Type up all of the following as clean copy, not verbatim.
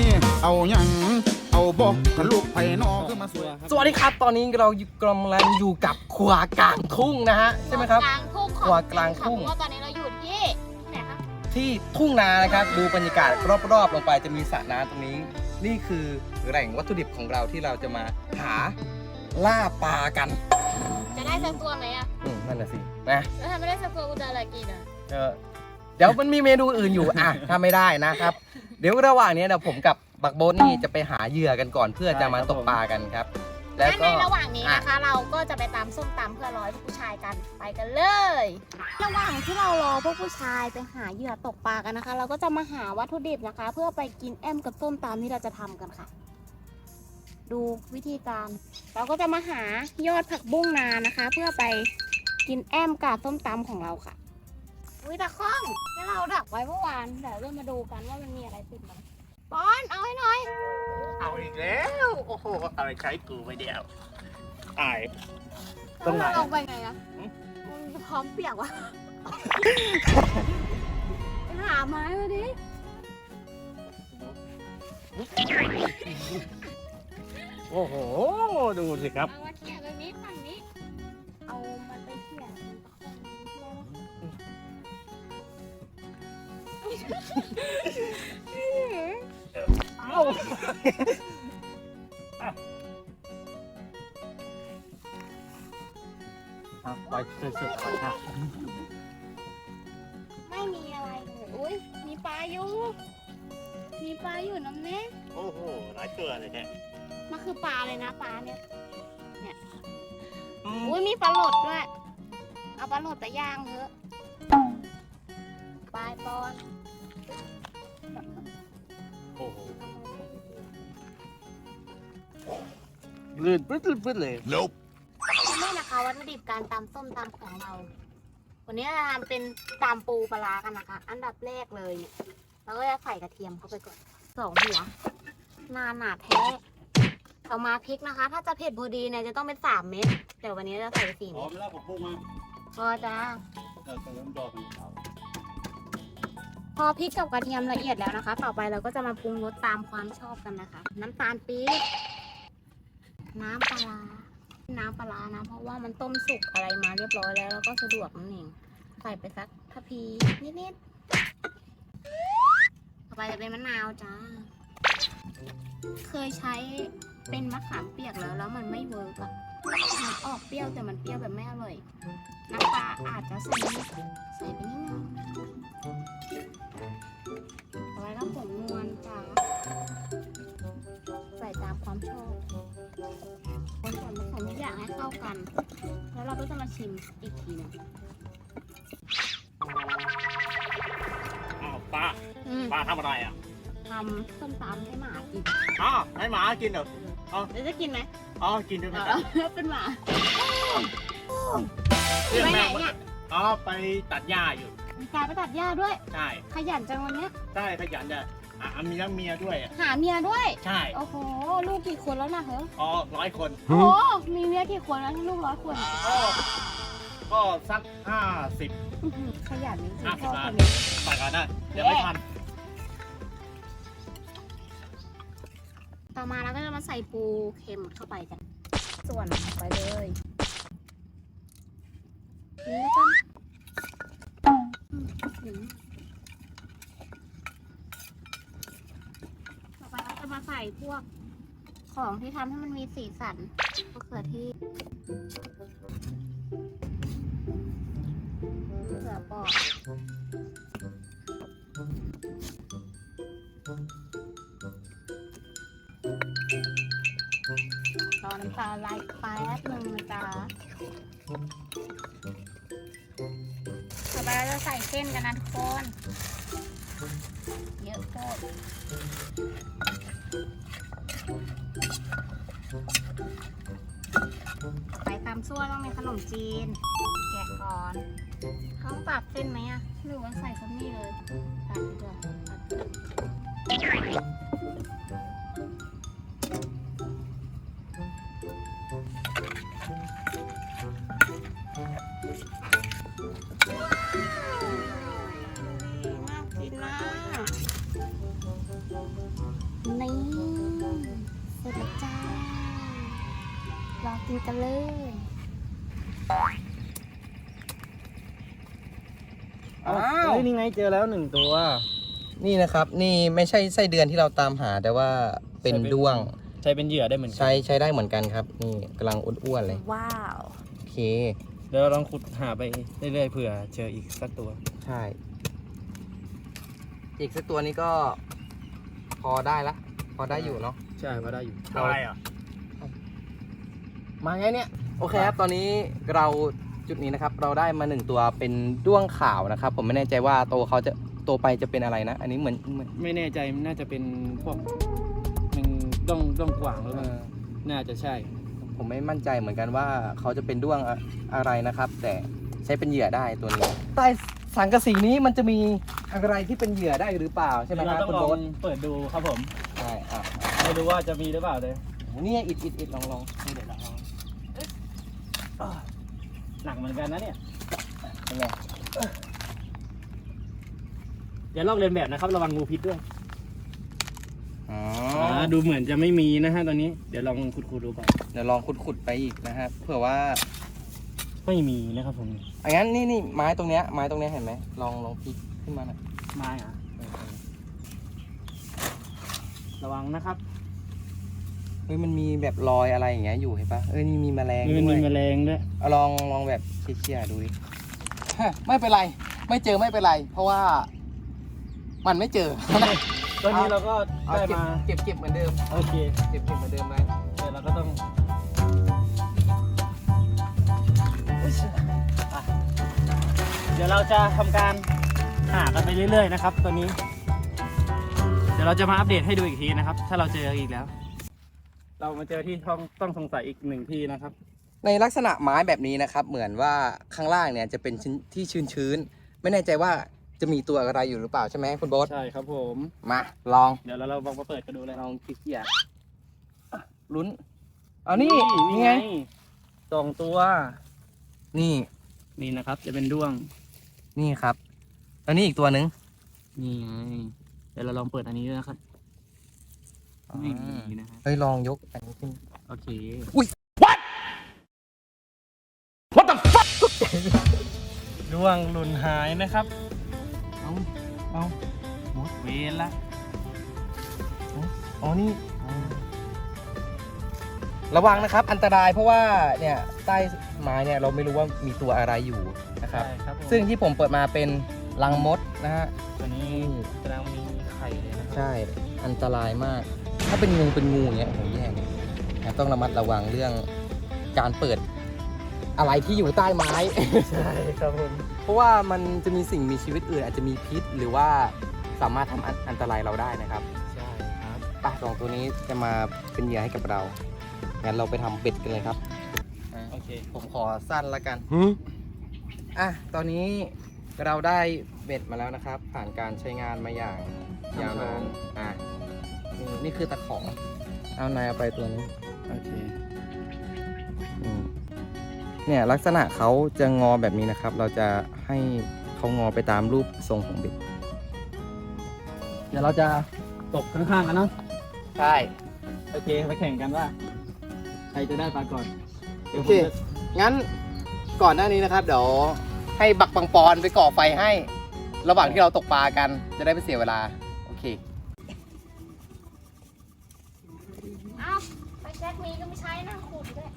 เอายังเอาบอกทะลุไปนอกขึ้นมาสวยสวัสดีครับตอนนี้เรากำลังอยู่กับครัวกลางทุ่งนะฮะใช่ไหมครับกลางทุ่งครัวกลางทุ่งเพราะว่าตอนนี้เราอยู่ที่ไหนคะที่ทุ่งนานะครับดูบรรยากาศรอบๆลงไปจะมีสระน้ำตรงนี้ นี่คือแหล่งวัตถุดิบของเราที่เราจะมาหาล่าปลากันจะได้สักตัวไหมอ่ะนั่นน่ะสินะแล้วถ้าไม่ได้สักตัวกูจะอะไรกินอ่ะเดี๋ยวมันมีเมนูอื่นอยู่อ่ะถ้าไม่ได้นะครับ เดี๋ยวระหว่างนี้เดี๋ยวผมกับบักโบ๊ทนี่จะไปหาเหยื่อกันก่อนเพื่อจะมาตกปลากันครับ แล้วงั้นก็ในระหว่างนี้นะคะ เราก็จะไปตำส้มตำเพื่อรอพวกผู้ชายกันไปกันเลย ระหว่างที่เรารอพวกผู้ชายไปหาเหยื่อตกปลากันนะคะ เราก็จะมาหาวัตถุดิบนะคะ เพื่อไปกินแอมกับส้มตำที่เราจะทำกันค่ะ ดูวิธีการ เราก็จะมาหายอดผักบุ้งนานะคะ เพื่อไปกินแอมกับส้มตำของเราค่ะอุ้ยตะข้องที่เราดักไว้เมื่อวานเดี๋ยวเรามาดูกันว่ามันมีอะไรติดมาปอนเอาให้หน่อยเอาอีกแล้วโอ้โหอะไรใช้กูไปเดียวอาย ตรงไหนลงไปไงอะมันพร้อมเปียกวะ ไปหาไม้มาดิโอ้โหดูสิครับเอามาเขี่ยตรงนี้ฝั่งนี้ เอามันไปเขี่ยเอ้าไปสุดๆไปค่ะไม่มีอะไรเลยอุ้ยมีปลาอยู่ มีปลาอยู่น้ำเนี้ยโอ้โหหลายตัวเลยเนี่ยมันคือปลาเลยนะปลาเนี่ย อุ้ยมีปลาโหลดด้วย เอาปลาโหลดไปย่างเถอะปลายปอนโอ้โหลื่นปื้ดเลยนี่นะคะวัตถุดิบการตำส้มตำของเรา วันนี้เราทำเป็นตำปูปลาร้ากันนะคะ อันดับแรกเลยเนี่ยเราก็จะใส่กระเทียมเข้าไปก่อน2 หัวหนาแท้ต่อมาพริกนะคะ ถ้าจะเผ็ดพอดีเนี่ยจะต้องเป็น3 เม็ดแต่วันนี้เราใส่ไป4 อ๋อเม็ดไม่ได้ผมพูดมาพอจ้าเติมดอกมันเขาพอพริกกับกระเทียมละเอียดแล้วนะคะ ต่อไปเราก็จะมาปรุงรสตามความชอบกันนะคะ น้ำตาลปี๊บน้ำปลาร้าน้ำปลาร้านะเพราะว่ามันต้มสุกอะไรมาเรียบร้อยแล้วแล้วก็สะดวกนั่นเองใส่ไปสักทัพพีนิดๆต่อไปจะเป็นมะนาวจ้าเคยใช้เป็นมะขามเปียกแล้วมันไม่เวิร์กอะมันออกเปรี้ยวแต่มันเปรี้ยวแบบไม่อร่อยน้ำปลาอาจจะใส่ไปนิดนึงเอาไว้แล้วผงนวลจ้าใส่ตามความชอบคนส่วนผสมทุกอย่างให้เข้ากัน แล้วเราก็จะมาชิมอีกทีหนึงอ้าวป้าป้าทำอะไรอ่ะทำส้มตำให้หมากินอ้าวให้หมากินเหรอแล้วจะกินไหมอ๋อกินด้วยกันเป็นหมาเรื่องไปไหนแม่เนี่ยอ๋อไปตัดหญ้าอยู่มีการไปตัดหญ้าด้วยใช่ขยันจังวันเนี้ยใช่ขยันจะมีทั้งเมียด้วยอ่ะหาเมียด้วยใช่โอ้โห ลูกกี่คนแล้วนะเฮ้ยอ๋อ100 คนโอ้โห มีเมียกี่คนแล้วที่ลูก100 คนก็สัก50 อื้อหือขยันจริงๆพ่อ 50 ล้าคน นนี้ไปก่อนนะเดี๋ยวไม่ทันต่อมาเราก็จะมาใส่ปูเค็มเข้าไปกัน ส่วนไปเลยนี่แล้วกันต่อไปเราจะมาใส่พวกของที่ทำให้มันมีสีสันมะเขือเทศมะเขือเปราะรอน้ำตาไหลแป๊บนึงนะจ๊ะต่อไปเราจะใส่เส้นกันนะทุกคน เยอะโคตรต่อไปตามซั่วต้องมีขนมจีน แกะก่อนเขาต้องตัดเส้นไหมอะหรือว่าใส่คนนี้เลย ตัดดีกว่าตัดน่ากินนะนี่เสร็จแล้วจ้ารอกินกันเลยอ้าวเฮ้ยนี่ไงเจอแล้วหนึ่งตัวนี่นะครับนี่ไม่ใช่ไส้เดือนที่เราตามหาแต่ว่าเป็นด้วงใช้เป็นเหยื่อได้เหมือนกันใช้ได้เหมือนกันครับ นี่กำลังอ้วนๆเลยว้าวโอเคเดี๋ยวเราลองขุดหาไปเรื่อยๆเผื่อเจออีกสักตัวใช่ อีกสักตัวนี้ก็พอได้ละ พอได้อยู่เนาะใช่ก็ได้อยู่อะไรอ่ะ มาไงเนี่ย โอเคครับ ตอนนี้เราจุดนี้นะครับ เราได้มา1ตัวเป็นด้วงขาวนะครับ ผมไม่แน่ใจว่าโตไปจะเป็นอะไรนะ อันนี้เหมือนไม่แน่ใจน่าจะเป็นพวกมันด้องกว่างหรือเปล่าน่าจะใช่ผมไม่มั่นใจเหมือนกันว่าเขาจะเป็นด้วงอะไรนะครับ แต่ใช้เป็นเหยื่อได้ตัวนี้ ใต้สังกะสีนี้มันจะมีอะไรที่เป็นเหยื่อได้หรือเปล่าใช่ไหมครับเราต้คุอณงลโบ๊องทเปิดดูครับผมใช่อ่ะไม่รู้ว่าจะมีหรือเปล่าเลยนี่อิดลองนี่เดี๋ยวเราลองหนักเหมือนกันนะเนี่ยเป็นไงอย่าลอกเลียนแบบนะครับระวังงูพิษด้วยอ๋อดูเหมือนจะไม่มีนะฮะตอนนี้เดี๋ยวลองขุดดูก่อนเดี๋ยวลองขุดไปอีกนะครับเผื่อว่าไม่มีนะครับผมงั้นนี่ไม้ตรงเนี้ยเห็นไหมลองพลิกขึ้นมาหน่อยไม้อะระวังนะครับเฮ้ยมันมีแบบรอยอะไรอย่างเงี้ยอยู่เห็นปะนี่มีแมลงมันด้วมียแมลงด้วยเอาลองแบบเชี่ยๆดูดิ ไม่เป็นไร ไม่เจอไม่เป็นไร เพราะว่า มันไม่เจอตอนนี้เราก็เอาได้มาเก็บเหมือนเดิมโอเคเก็บเหมือนเดิมไปเดี๋ยวเราก็ต้องอ่ะเดี๋ยวเราจะทำการหากันไปเรื่อยๆนะครับตอนนี้ เดี๋ยวเราจะมาอัปเดตให้ดูอีกทีนะครับ ถ้าเราเจออีกแล้ว เรามาเจอที่ต้องสงสัยอีกหนึ่งที่นะครับในลักษณะไม้แบบนี้นะครับ เหมือนว่าข้างล่างเนี่ยจะเป็นที่ชื้นๆไม่แน่ใจว่าจะมีตัวอะไรอยู่หรือเปล่าใช่ไหมคุณโบ๊ทใช่ครับผมมาลองเดี๋ยวเราลองมาเปิดกันดูเลยลองเขี่ยๆลุ้นเอานี่ไงสองตัวนี่นี่นะครับ จะเป็นด้วงนี่ครับแล้วนี่อีกตัวหนึ่งนี่ไงเดี๋ยวเราลองเปิดอันนี้ด้วยนะครับไม่มีนะฮะเฮ้ยลองยกอันนี้ขึ้นโอเค What the fuck ด้วงหลุนหายนะครับเอาหมดเวรละอ๋อนี่ระวังนะครับอันตรายเพราะว่าเนี่ยใต้ไม้เนี่ยเราไม่รู้ว่ามีตัวอะไรอยู่นะครับใช่ครับผมซึ่งที่ผมเปิดมาเป็นรังมดนะฮะตัวนี้แสดงว่ามีไข่เลยนะครัใช่อันตรายมาก ถ้าเป็นงูอย่างเงี้ยโอ้โหแย่เลยนะต้องระมัดระวังเรื่องการเปิดอะไรที่อยู่ใต้ไม้ใช่ครับผมเพราะว่ามันจะมีสิ่งมีชีวิตอื่นอาจจะมีพิษหรือว่าสามารถทำอันตรายเราได้นะครับใช่ครับปลาสองตัวนี้จะมาเป็นเหยื่อให้กับเรางั้นเราไปทำเบ็ดกันเลยครับโอเคผมขอสั้นละกันอ่ะตอนนี้เราได้เบ็ดมาแล้วนะครับ ผ่านการใช้งานมาอย่างยาวนานอ่ะนี่คือตะขอเอานายเอาไปตัวนี้โอเคอืมเนี่ยลักษณะเขาจะงอแบบนี้นะครับ เราจะให้เขางอไปตามรูปทรงของเบ็ดเดี๋ยวเราจะตกข้างๆกันเนาะใช่โอเคไปแข่งกันว่า ใครจะได้ปลาก่อนดี๋ยวโอผมเคจะงั้นก่อนหน้านี้นะครับ เดี๋ยวให้บักปังปอนไปก่อไฟให้ ระหว่างที่เราตกปลากันจะได้ไม่เสียเวลา โอเคเอ้าไปแจ็คมีก็ไม่ใช้นั่งขุดด้วย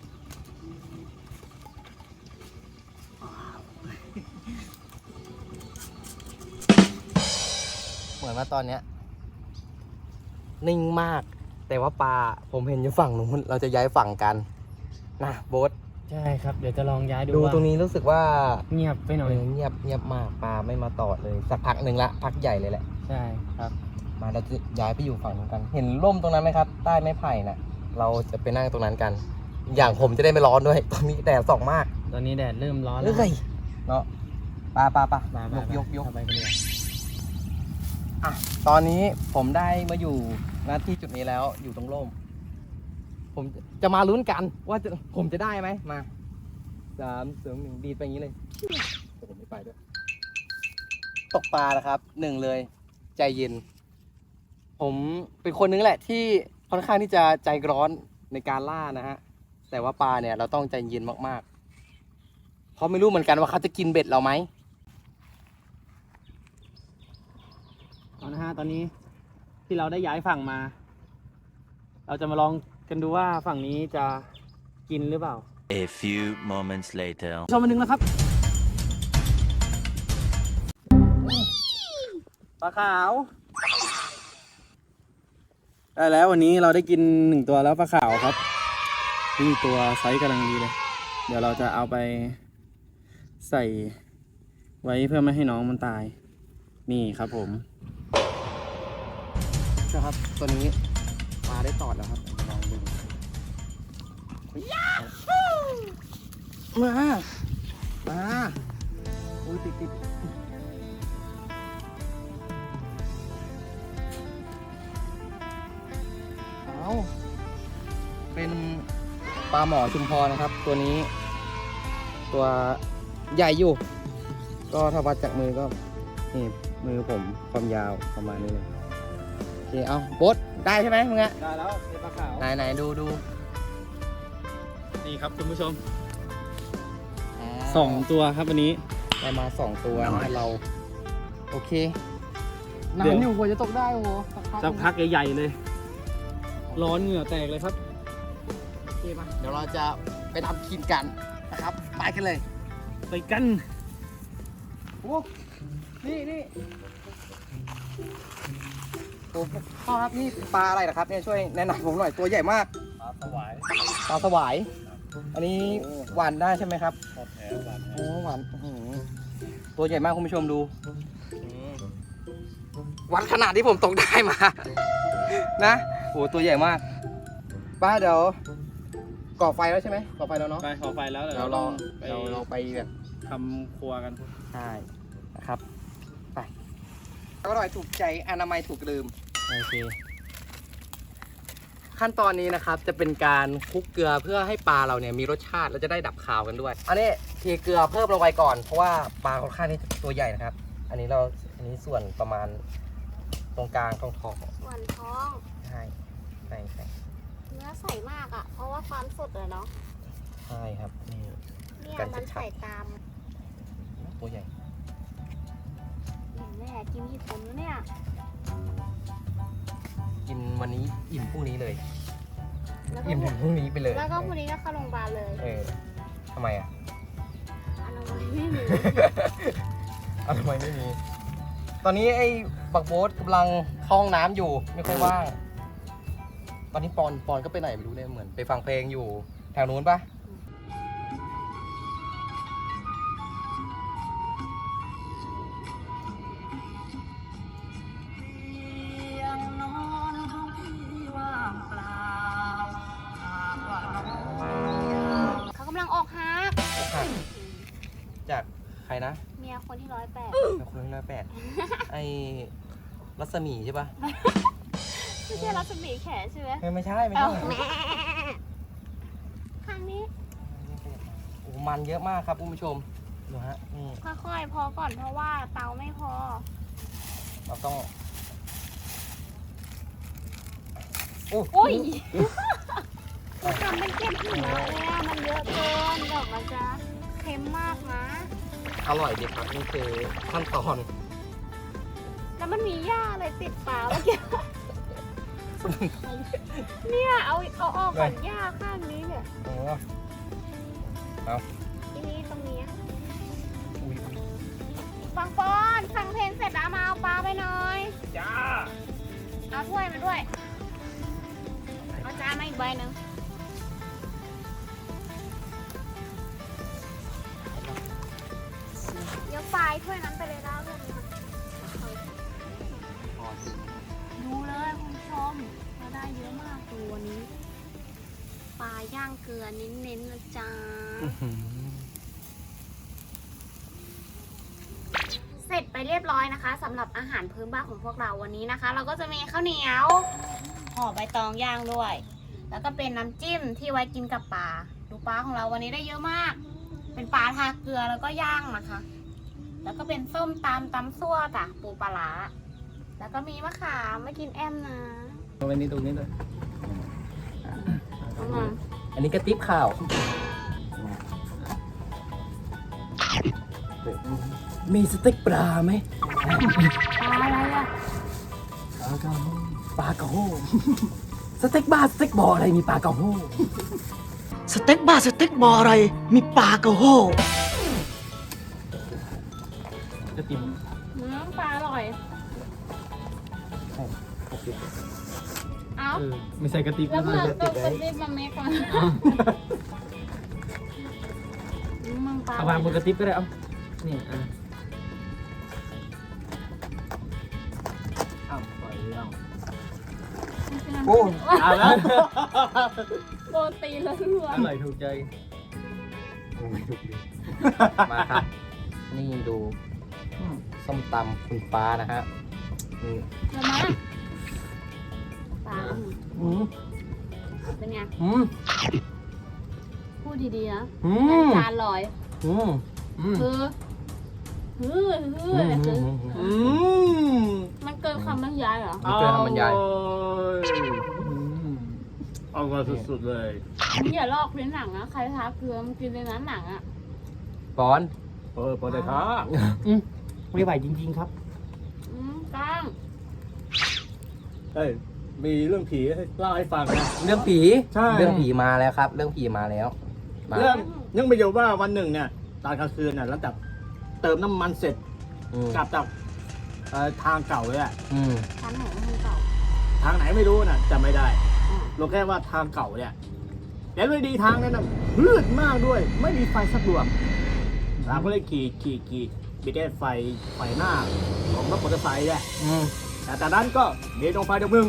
เหมือนว่าตอนเนี้ยนิ่งมาก แต่ว่าปลาผมเห็นอยู่ฝั่งนู้นเราจะย้ายฝั่งกันนะโบ๊ทใช่ครับ เดี๋ยวจะลองย้ายดูดูว่าตรงนี้รู้สึกว่าเงียบไปหน่อยเงียบมากปลาไม่มาตอดเลยสักพักหนึ่งละพักใหญ่เลยแหละใช่ครับมาเราจะย้ายไปอยู่ฝั่งนู้นกัน เห็นร่มตรงนั้นไหมครับ ใต้ไม้ไผ่น่ะ เราจะไปนั่งตรงนั้นกัน อย่างผมจะได้ไม่ร้อนด้วย ตอนนี้แดดส่องมากตอนนี้แดดเริ่มร้อนแล้วเอ้ยเนาะปลามายกเข้าไปกันเลยอ่ะตอนนี้ผมได้มาอยู่ณที่จุดนี้แล้วอยู่ตรงร่ม ผมจะมาลุ้นกันว่าผมจะได้ไหมมา3 2 1ดีดไปอย่างนี้เลยผมไม่ไปด้วย ตกปลานะครับ1เลย ใจเย็นผมเป็นคนนึงแหละที่ค่อนข้างที่จะใจร้อนในการล่านะฮะแต่ว่าปลาเนี่ยเราต้องใจเย็นมากๆเพราะไม่รู้เหมือนกันว่าเขาจะกินเบ็ดเราไหมเอานะฮะตอนนี้ที่เราได้ย้ายฝั่งมา เราจะมาลองกันดูว่าฝั่งนี้จะกินหรือเปล่า A few moments later. ชมมาหนึ่งนะครับปลาขาวได้แล้ววันนี้เราได้กิน1ตัวแล้วปลาขาวครับนี่ตัวไซส์กำลังดีเลย เดี๋ยวเราจะเอาไปใส่ไว้เพื่อไม่ให้น้องมันตายนี่ครับผมนะครับตัวนี้ปลาได้ตอดแล้วครับลองดูมาอุ้ยติดเอาเป็นปลาหมอชุมพรนะครับ ตัวนี้ ตัวใหญ่อยู่ ก็ถ้าวัดจากมือก็นี่มือผมความยาวประมาณนี้เลยโอเคเอาโบ๊ทได้ใช่ไหมมึงอะได้แล้วเป็นปลาขาวไหนดูนี่ครับคุณผู้ชมอ่า 2 ตัวครับวันนี้ได้มา2 ตัวให้เราโอเคเดี๋ยวน้ำอยู่กว่าจะตกได้โอ้โหสักพักใหญ่ๆเลย ร้อนเหงื่อแตกเลยครับโอเคมาเดี๋ยวเราจะไปทำกินกันนะครับไปกันเลยไปกันโอ้นี่โอ้พ่อครับนี่ปลาอะไรนะครับเนี่ยช่วยแนะนำผมหน่อยตัวใหญ่มากปลาสวายปลาสวาย อันนี้หวานได้ใช่ไหมครับทอดแท้หวานโอ้หวานอื้อหือตัวใหญ่มากคุณผู้ชมดูวัดขนาดที่ผมตกได้มา นะโอ้ตัวใหญ่มากป้าเดี๋ยวก่อไฟแล้วใช่ไหมก่อไฟแล้วเนาะไปขอไฟแล้วเดี๋ยวเราเราลลออง งไปเราไปแบบทำครัวกันใช่นะครับไปอร่อยถูกใจอนามัยถูกลืมโอเคขั้นตอนนี้นะครับจะเป็นการคลุกเกลือเพื่อให้ปลาเราเนี่ยมีรสชาติและจะได้ดับคาวกันด้วย อันนี้เทเกลือเพิ่มลงไปก่อนเพราะว่าปลาค่อนข้างที่ตัวใหญ่นะครับ อันนี้ส่วนประมาณตรงกลางท้องส่วนท้องใช่ใช่เนื้อใสมากอ่ะ เพราะว่าความสดเลยเนาะใช่ครับนี่เนี่ยกันมันชัดๆใส่ตามตัวใหญ่แม่กินกี่คนวะเนี่ยกินวันนี้อิ่มพรุ่งนี้เลยแล้วก็อิ่มถึงพรุ่งนี้ไปเลยแล้วก็พรุ่งนี้ก็เข้าโรงพยาบาลเลยทำไมอ่ะอนามัยไม่มีทำไมไม่มี ตอนนี้ไอ้บักโบ๊ทกำลังเข้าห้องน้ำอยู่ไม่ค่อยว่าง ตอนนี้ปอนก็ไปไหนไม่รู้เนี่ยเหมือนไปฟังเพลงอยู่แถวนู้นปะเขากำลังออกฮักจากใครนะเมียคนที่108 เป็นคนที่108 ไอ้รัศมีใช่ปะไม่ใช่รัศมีแขใช่ไหมไม่ใช่เอ้าแม่ครั้งนี้โอ้มันเยอะมากครับคุณผู้ชมดูฮะนี่ค่อยๆพอก่อนเพราะว่าเตาไม่พอเราต้องอุ้ยทำเป็นเก็บหัวเลยอะมันเยอะเกินเดี๋ยวมันจะเค็มมากนะอร่อยดีครับนี่คือขั้นตอนแล้วมันมีหญ้าอะไรติดปากเมื่อกี้เนี่ยเอาออกก่อนหญ้าข้างนี้เนี่ยโอ้เอาทีนี้ตรงนี้อุ้ยฟังปอนฟังเพลงเสร็จแล้วมาเอาปลาไปหน่อยจ้าเอาถ้วยมาด้วย เอาจานมาอีกใบหนึ่งเดี๋ยวปลายถ้วยนั้นไปเลยแล้วเลยดูเลยคุณผู้ชมเราได้เยอะมากตัวนี้ ปลาย่างเกลือเน้นๆนะจ๊ะ เสร็จไปเรียบร้อยนะคะสำหรับอาหารพื้นบ้านของพวกเราวันนี้นะคะ เราก็จะมีข้าวเหนียวห่อใบตองย่างด้วย แล้วก็เป็นน้ำจิ้มที่ไว้กินกับปลาดูปลาของเราวันนี้ได้เยอะมาก เป็นปลาทาเกลือแล้วก็ย่างนะคะ แล้วก็เป็นส้มตำซั่วจ้ะปูปลาร้าแล้วก็มีมะขามไม่กินแอมนะตรงนี้ตรงนี้เลยเอามาอันนี้กระติบข้าว มีสเต็กปลาไหมปลาอะไรอ่ะปลากระโฮสเต็กบ้าสเต็กบออะไรมีปลากระโฮสเต็กบ้าสเต็กบออะไร มีปลากระโฮจะติ่มปลาอร่อย เอ้าไม่ใส่กระติบแล้วนะเพื่อนก็ไปรีบมาเมคก่อนมึงปลาเอาวางบนกระติบก็ได้เอานี่เอาปล่อยเอาโอ้เอาแล้วโปรตีนล้วนอร่อยถูกใจมาครับ นี่ดูส้มตำคุณฟ้านะฮะนี่ๆแล้วมาปลาอืมเป็นไงอืมพูดดีๆนะอืมจานลอยอืมคืออะไรคือ มันเกินคำบรรยายเหรอไม่เกินคำบรรยายเอามาสุดๆเลยมึงอย่าลอกเลียนหนังนะ ใครทาเกลือมึงกินเลยนะหนังอ่ะปอนพอได้ท้าไม่ไหวจริงๆครับก้างเอ้ยมีเรื่องผีให้เล่าให้ฟังนะเรื่องผีใช่เรื่องผีมาแล้วครับ เรื่องผีมาแล้วมาเรื่องยังไม่เยอะว่าวันหนึ่งเนี่ยตอนกลางคืนน่ะหลังจากเติมน้ำมันเสร็จอืมกลับจากทางเก่าเลยอะอืมชั้นของมึงเก่าทางไหนไม่รู้น่ะจำไม่ได้อ่ะรู้แค่ว่าทางเก่าเนี่ยแล้วเลยดีทางนั้นน่ะมืดมากด้วย ไม่มีไฟสักดวงเราก็เลยขี่บิดได้ไฟหน้าของรถมอเตอร์ไซค์เนี่ยอืมแต่จากนั้นก็มีดวงไฟดวงหนึ่ง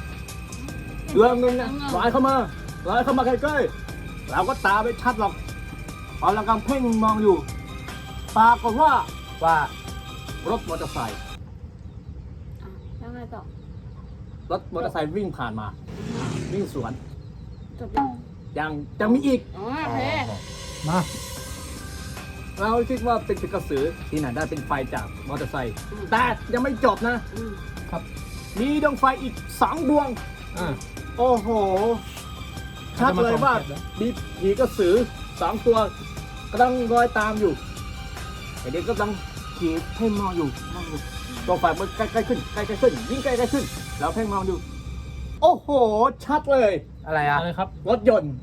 เนี่ยลอยเข้ามาใกล้ๆเราก็ตาไม่ชัดหรอกพอเรากำลังเพ่งมองอยู่ปรากฏว่าว่ารถมอเตอร์ไซค์อ่ะแล้วไงต่อรถมอเตอร์ไซค์วิ่งผ่านมา วิ่งสวนจบแล้วยังมีอีกอ๋อโอเคมาเราคิดว่าเป็นกระสือที่ไหนได้เป็นไฟจากมอเตอร์ไซค์แต่ยังไม่จบนะอืมมีดวงไฟอีก2ดวงโอ้โหชัดเลยว่ามีผีกระสือ2ตัวกำลังรอยตามอยู่ไอเด็กก็กำลังขี่เพ่งมองอยู่ดวงไฟมันใกล้ๆขึ้นยิ่งใกล้ๆขึ้น แล้วเพ่งมองอยู่ โอ้โห ชัดเลยอะไรอ่ะอะไรครับรถยนต์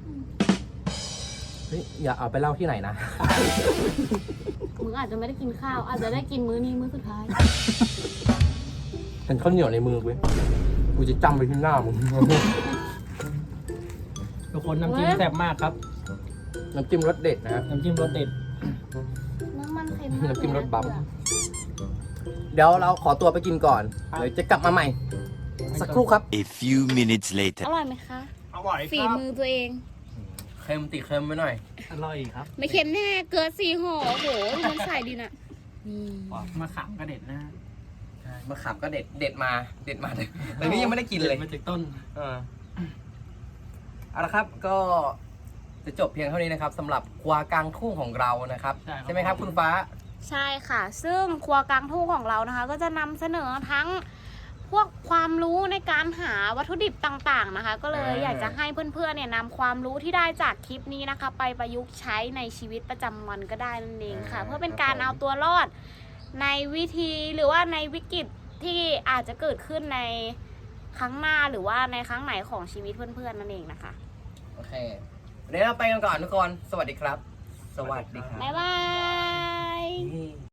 เฮ้ยอย่าเอาไปเล่าที่ไหนนะมึงอาจจะไม่ได้กินข้าว อาจจะได้กินมื้อนี้มื้อสุดท้ายเป็นข้าวเหนียวในมือเว้ยกูจะจำไปที่หน้ามึงทุกคนน้ำจิ้มแซ่บมากครับน้ำจิ้มรสเด็ดนะฮะน้ำจิ้มรสเด็ดน้ำมันเค็มากน้ำจิ้มรสบั๊มเลยนะเดี๋ยวเราขอตัวไปกินก่อน เดี๋ยวจะกลับมาใหม่ สักครู่ครับ A few minutes อ later. ร่อยไหมคะอร่อยฝีครับมือตัวเองเค็มติเค็มไปหน่อยอร่อยครับไม่เค็มแน่เกลือ4ห่อโอ้โหดูมันใส่ดีนะนี่มาขามกระเด็ดนะมะขามก็เด็ดมาแต่นี่ยังไม่ได้กินเลยมาจากต้นเอาละครับก็จะจบเพียงเท่านี้นะครับสำหรับครัวกลางทุ่งของเรานะครับใช่ครับไหมครับคุณฟ้าใช่ค่ะ ซึ่งครัวกลางทุ่งของเรานะคะ ก็จะนำเสนอทั้งพวกความรู้ในการหาวัตถุดิบต่างๆนะคะ ก็เลยอยากจะให้เพื่อนๆเนี่ยนำความรู้ที่ได้จากคลิปนี้นะคะ ไปประยุกต์ใช้ในชีวิตประจำวันก็ได้นั่นเองค่ะ เพื่อเป็นการเอาตัวรอดในวิธีหรือว่าในวิกฤตที่อาจจะเกิดขึ้นในครั้งหน้าหรือว่าในครั้งไหนของชีวิตเพื่อนๆนั่นเองนะคะโอเคเดี๋ยวเราไปกันก่อนทุกคน สวัสดีครับ สวัสดีครับบ๊ายบาย